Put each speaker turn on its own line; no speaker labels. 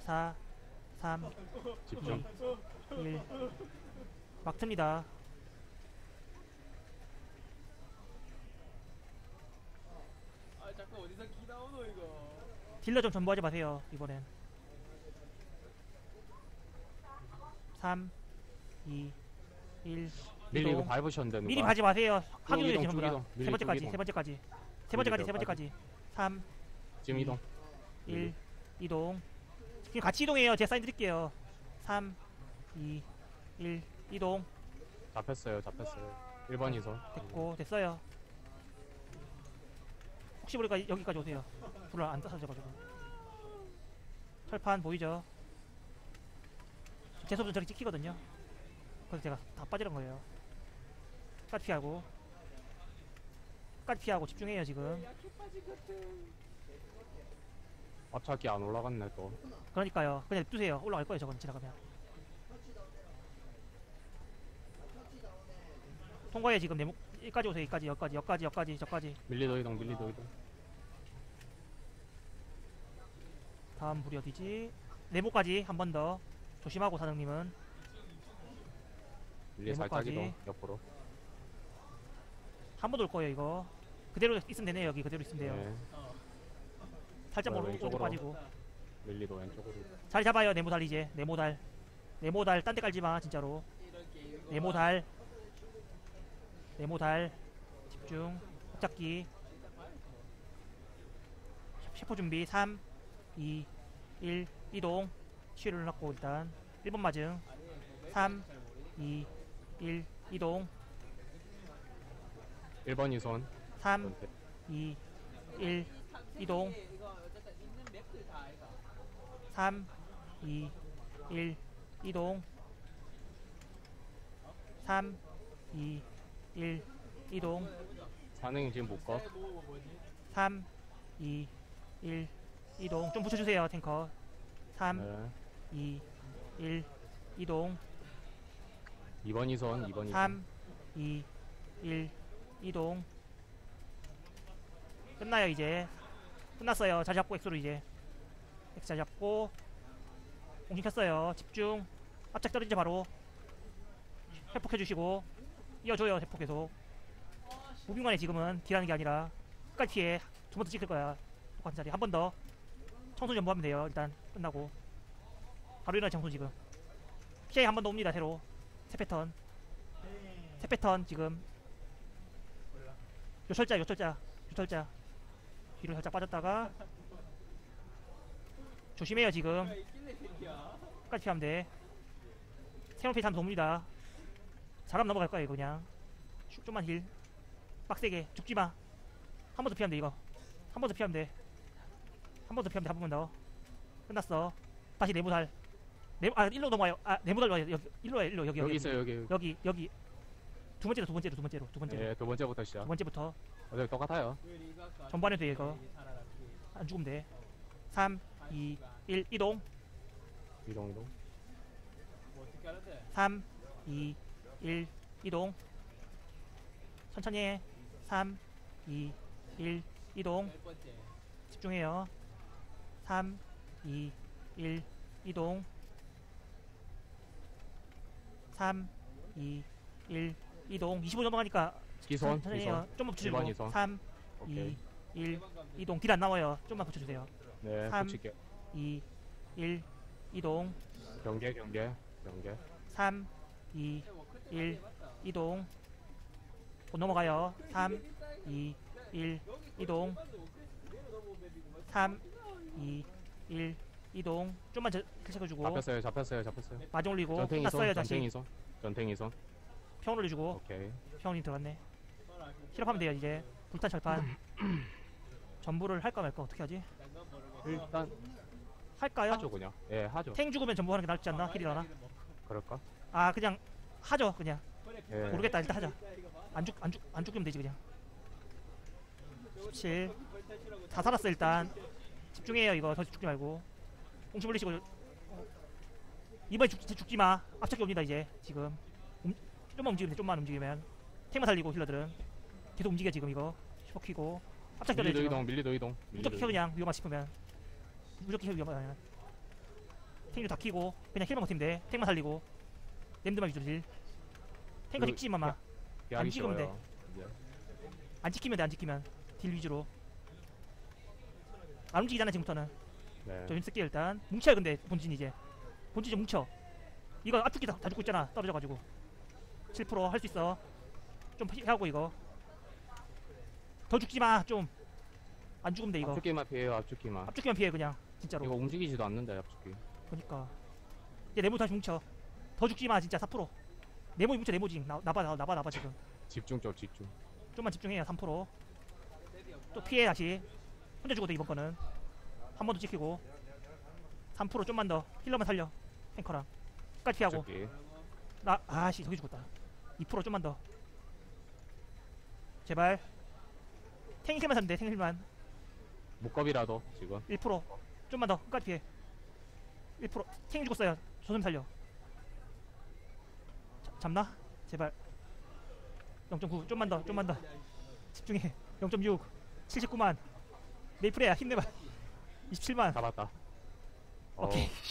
4 3
집중.
1 막 틉니다.
아 자꾸 어디서 기 나오노 이거.
딜러 좀 전부하지 마세요 이번엔. 3 2 1
밀리 이거 밟으셨는데 누가?
미리 가지 마세요. 확인해
이동,
주시는 거라.
밀리
세 번째까지,
이동.
세 번째까지, 세 번째까지, 세 번째까지. 3
지금 이동.
1 이동. 지금 같이 이동해요. 제가 사인 드릴게요. 3 2 1 이동.
잡혔어요. 잡혔어요. 1번 이선.
됐고 됐어요. 혹시 모르니까 여기까지 오세요. 불을 안 따서져가지고. 철판 보이죠? 제 손은 저기 찍히거든요. 그래서 제가 다 빠지는 거예요. 끝까지 피하고, 끝까지 피하고 집중해요 지금.
약해 빠진 것들.
앞차기 안 올라갔네 또.
그러니까요. 그냥 냅두세요. 올라갈 거예요 저건 지나가면. 통과해 지금 네모 여기까지 오세요. 여기까지 여기까지 여기까지 여기까지 저까지.
밀리도 이동. 밀리도 이동.
다음 불이 어디지? 네모까지 한 번 더 조심하고 사장님은.
밀리 살짝
네모까지.
이동. 옆으로.
한 번 올 거예요 이거. 그대로 있으면 되네요. 여기 그대로 있으면 돼요.
네.
살짝 멀어 오른쪽
왼쪽으로.
빠지고.
밀리도 왼쪽으로.
자리 잡아요. 네모달 이제. 네모달. 네모달 딴 데 깔지마 진짜로.
이런 게임.
네모달. 네모달. 집중. 잡기. 셰포 준비. 3 2 1 이동. 치유를 넣고 일단 1번 맞음. 3 2 1 이동.
1번 이선.
3 2 1 이동.
이거 어쨌든 있는 맵들 다 아이가.
3 2 1 이동. 3 2 1 이동.
산행이 지금 못 가.
3 2 1 이동. 좀 붙여주세요 탱커. 3
네.
2 1 이동.
2번 이선. 2번 이선.
3 2 1 이동. 끝나요 이제. 끝났어요. 자리 잡고 엑소로 이제. 엑스 자리 잡고 공신 켰어요. 집중. 앞짝 떨어지자 바로. 회복해주시고 이어줘요. 회복 계속. 무빙만에 지금은 딜하는 게 아니라 끝까지 피해. 두 번 더 찍힐 거야. 똑같은 자리. 한 번 더. 청소 전부하면 돼요. 일단 끝나고. 바로 일어나 청소 지금. 피해 한 번 더 옵니다. 새로. 새 패턴. 새 패턴 지금. 요철자 요철자 요철자. 뒤로 살짝 빠졌다가 조심해요 지금.
있길래 새끼야.
끝까지 피하면 돼. 세번 페이지 하면 도움니다. 사람 넘어갈 거야 이거 그냥. 좀만 힐. 빡세게 죽지마. 한 번 더 피하면 돼 이거. 한 번 더 피하면 돼. 한 번 더 피하면 돼. 한 번만 더. 끝났어. 다시 네모달. 일로 넘어와요. 네모달 와요. 여기 일로 와요. 일로 여기
여기 있어요. 여기.
여기 두 번째로 두 번째로 두 번째로 두 번째로
네. 두 번째부터 시작.
두 번째부터
어차피 똑같아요.
전반에도 이거 안 죽으면 돼. 3 2 1 이동.
이동 이동.
뭐 어떻게 하는데?
3 2 1 이동. 천천히 해. 3 2 1 이동.
열 번째.
집중해요. 3 2 1 이동. 3 2 1 이동. 25 넘어가니까
기선.
천천히 해요.
기선.
좀만
1번
붙여주고.
이선.
3
오케이.
2 1 이동. 딜 안 나와요. 좀만 붙여주세요.
네.
3.
붙일게.
2 1 이동.
경계 경계 경계.
3 2 1 이동. 곧 넘어가요. 3 2 1 이동. 3 2 1 이동. 좀만 체크해주고
잡혔어요. 잡혔어요. 잡혔어요.
마중 올리고
전탱이 선.
끝났어요. 다시
전탱이 선. 전탱이 선.
평 올려주고.
오케이.
평이 들어갔네. 실업하면 돼요 이제. 불탄 철판. 전부를 할까 말까 어떻게 하지?
일단
할까요?
하죠 그냥. 예, 하죠.
탱 죽으면 전부 하는 게 낫지 않나? 힐이라나?
그럴까?
아 그냥 하죠 그냥.
예.
모르겠다 일단 하자. 안 죽으면 되지 그냥. 17 다 살았어 일단. 집중해요 이거. 더 죽지 말고 공치 물리시고. 이번에 죽지마. 앞차기 옵니다 이제 지금. 좀만 움직이면 돼. 좀만 움직이면. 탱만 살리고 힐러들은 계속 움직여 지금 이거. 슈퍼 키고 앞차기
밀리도
지금.
이동. 밀리도 이동.
무조건 켜 그냥 위험하 싶으면. 무조건 켜 위험하면. 탱주 다 키고 그냥 힐만 버티면 돼. 탱만 살리고 램드만 위주로 딜. 탱커
그,
찍지 마마.
피하기
찍으면 돼.
쉬워요. 이제.
안 찍히면 돼. 안 찍히면 딜 위주로. 안 움직이잖아 지금부터는.
네.
좀 쓸게 일단. 뭉쳐요 근데 본진 이제. 본진 좀 뭉쳐. 이거 앞죽기 다 죽고 있잖아. 떨어져가지고. 7% 할 수 있어. 좀 피하고 이거. 더 죽지 마. 좀. 안 죽으면 돼 이거.
앞죽기만 피해요. 앞죽기만.
앞죽기만 피해 그냥. 진짜로.
이거 움직이지도 않는다. 앞죽기.
그러니까. 이제 네모 다시 뭉쳐. 더 죽지 마 진짜 4%. 네모 뭉쳐 네모지. 나봐 지금.
집중 좀 집중.
좀만 집중해요 3%. 또 피해 다시. 혼자 죽어도 이번 거는. 한 번 더 찍히고. 3% 좀만 더. 힐러만 살려. 탱커랑. 끝까지 피하고.
앞죽기.
아씨 저기 죽었다. 2% 좀만 더. 제발. 탱힐만 사면 돼. 탱힐만.
목겁이라도 지금.
1% 좀만 더. 끝까지 피해. 1% 탱이 죽었어요. 조선 살려. 잡나? 제발. 0.9 좀만 더. 좀만 더. 집중해. 0.6 79만. 메이플이야 힘내봐. 27만.
잡았다.
오케이.
어,